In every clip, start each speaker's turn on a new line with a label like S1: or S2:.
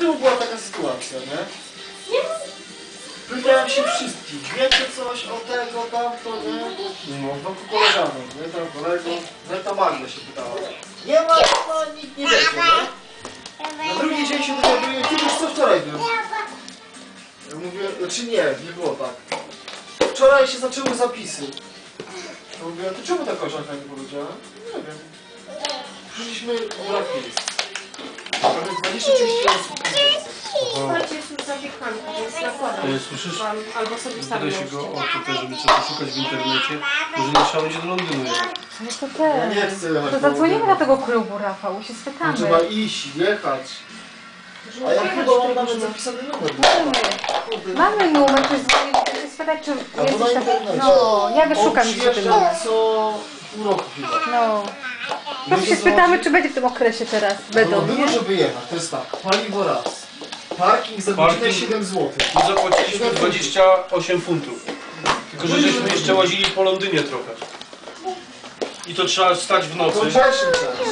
S1: temu była taka sytuacja, nie? Pytałem się wszystkich, wiecie coś o tego, tamto, nie? No, wokół koleżanek, nie? Tam kolego, no ta Magda się pytała. Nie ma, no nikt nie wie, nie? Na drugi dzień się dowiaduję, ty wiesz co wczoraj był? Ja mówię, znaczy nie było tak. Wczoraj się zaczęły zapisy. Ja mówię, to czemu ta koleżanka nie powiedziała? Nie wiem. Przyszliśmy brak miejsc. Prawie 20-30 osób.
S2: Słuchajcie, jest już zapiekanka, więc nakładam.
S3: Słyszysz?
S2: Albo sobie
S3: Pytaj się go o to też, żeby coś poszukać w internecie. Może nie trzeba będzie do Londynu jechać.
S4: No to
S1: Ja
S4: też.
S1: nie chcę jechać.
S4: To zadzwonimy do tego klubu, Rafał, się spytamy.
S1: No, trzeba iść, jechać. A ja chyba mam nawet zapisany numer.
S4: Mamy numer, ktoś dzwoni, ktoś spytać, czy
S1: Albo na
S4: jesteś taki...
S1: internecie.
S4: No, ja wyszukam
S1: On
S4: gdzie ten
S1: przyjeżdża
S4: numer.
S1: co pół roku chyba.
S4: No. To się spytamy, czy będzie w tym okresie teraz. Będą,
S1: No,
S4: nie?
S1: żeby jechać, to jest tak, paliwo raz. Parking za godzinę 7 zł.
S3: I zapłaciliśmy 28 funtów. Tylko, że żeśmy jeszcze łazili po Londynie trochę. I to trzeba stać w nocy.
S1: To wrzesień czas.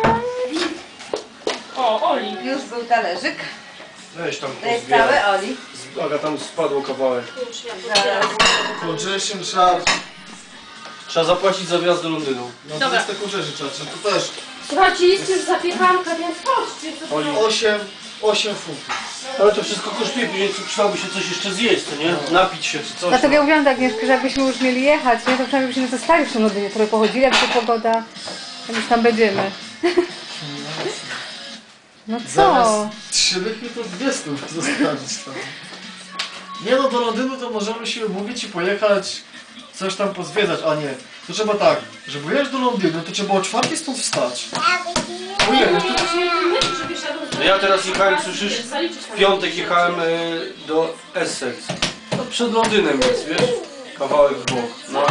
S2: O, Oli.
S4: Już był talerzyk.
S3: Weź tam
S4: To jest
S3: pozbieraj.
S4: całe, Oli.
S3: Aga, tam spadło kawałek.
S1: To wrzesień czas.
S3: Trzeba zapłacić za wjazd do Londynu.
S1: No to
S2: Dobra.
S1: jest taką rzecz, to też
S2: Słuchajcie, jest już zapiekanka, więc chodźcie. Co
S3: Oli.
S1: 8 funtów.
S3: Ale to wszystko kosztuje, później przydałoby się coś jeszcze zjeść, co nie? Napić się czy coś.
S4: Dlatego ja mówiłam tak, Agnieszka, że jakbyśmy już mieli jechać, nie, to przynajmniej byśmy zostali w tym Londynie, trochę pochodzili, jak to pogoda, jak już tam będziemy. No co?
S1: Zamiast 3 lychy to 200 zostawić tam. Nie no, do Londynu to możemy się umówić i pojechać, coś tam pozwiedzać, a nie. To trzeba tak, żeby jechać do Londynu, to trzeba o 4 stąd wstać. Pojechać, to
S3: No ja teraz jechałem, słyszysz? W piątek jechałem do Essex. No przed Londynem jest, wiesz? Kawałek w bok. Na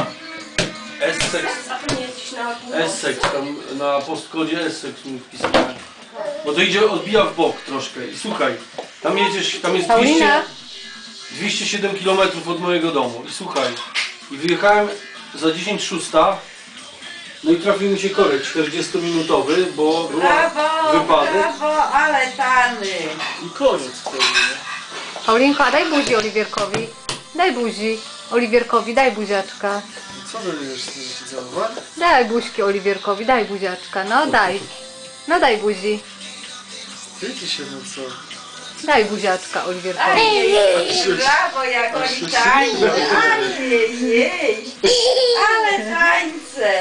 S3: Essex, tam na postkodzie Essex mi wpisałem. Bo to idzie, odbija w bok troszkę. I słuchaj, tam jedziesz, tam jest
S4: Paulina?
S3: 207 km od mojego domu. I słuchaj, i wyjechałem za 10:06. No i trafił mi się korek 40-minutowy, bo był wypadek.
S5: Brawo, ale tany!
S1: i koniec wtedy, nie?
S4: Paulinko, a daj buzi Oliwierkowi. Daj buzi Oliwierkowi, daj buziaczka.
S1: Co będziesz z tym całować?
S4: Daj buźki Oliwierkowi, daj buziaczka, no daj. No daj buzi.
S1: Ty się, no co?
S4: Daj buziaczka Oliwierkowi.
S5: Ej, brawo, jak oni tańczą! Jej, ale tańce!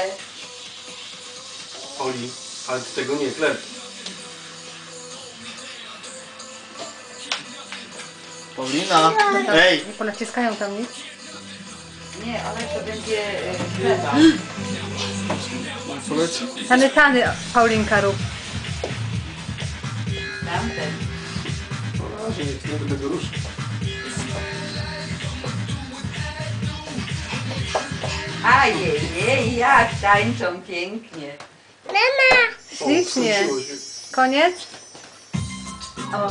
S3: Oli, ale ty tego nie chleb.
S1: Paulina! Ej!
S4: Nie ponaciskają tam nic?
S5: Nie, ale to będzie chleba.
S1: Co leci?
S4: Tany, Paulinka rób.
S5: Tamten.
S3: Na razie nie będę go ruszyć.
S5: Ajej, jak tańczą pięknie.
S4: Ślicznie.
S3: Skończyło się.
S4: Koniec? O.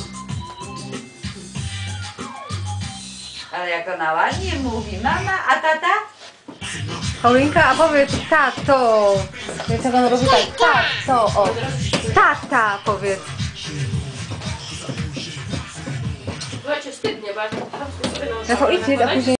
S5: Ale jak ona ładnie mówi, mama, a tata?
S4: Paulinka, a powiedz tato. Wiesz jak on robi tak? Tato, o. Tata, powiedz.
S2: Słuchajcie, wstydnie, bo ja
S4: Rafał, idź, a później